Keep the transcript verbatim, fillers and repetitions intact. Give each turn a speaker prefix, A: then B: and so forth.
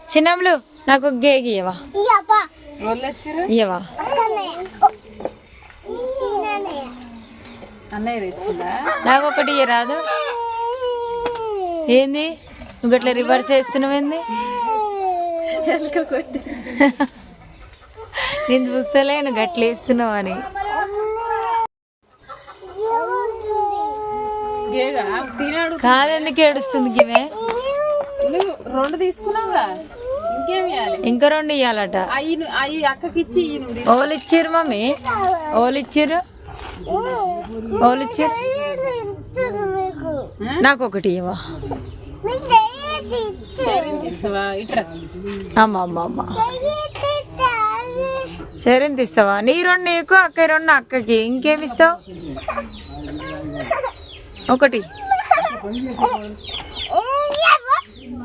A: చిన్నమ్ములు నాకు గేగి ఇవ్వవా ఇవ్వవా నాకు ఒకటి రాదు. ఏంది నువ్వు గట్లా రివర్స్ చేస్తున్నావు? ఏంది నేను చూస్తలేను గట్ల వేస్తున్నావు అని. కాదెందుకు ఏడుస్తుంది గివే?
B: రెండు తీసుకున్నావుగా,
A: ఇంకా రెండు ఇయ్యాలట.
B: అక్కకిచ్చి
A: ఓలు ఇచ్చిర్రు మమ్మీ, ఓలు ఇచ్చిర్రు, ఓలు ఇచ్చిర్రు. నాకు ఒకటి ఇవ్వవా? అమ్మ అమ్మ అమ్మ సరే ఇస్తావా? నీ రెండు నీకు, అక్క రెండు అక్కకి. ఇంకేమి ఇస్తావు? ఒకటి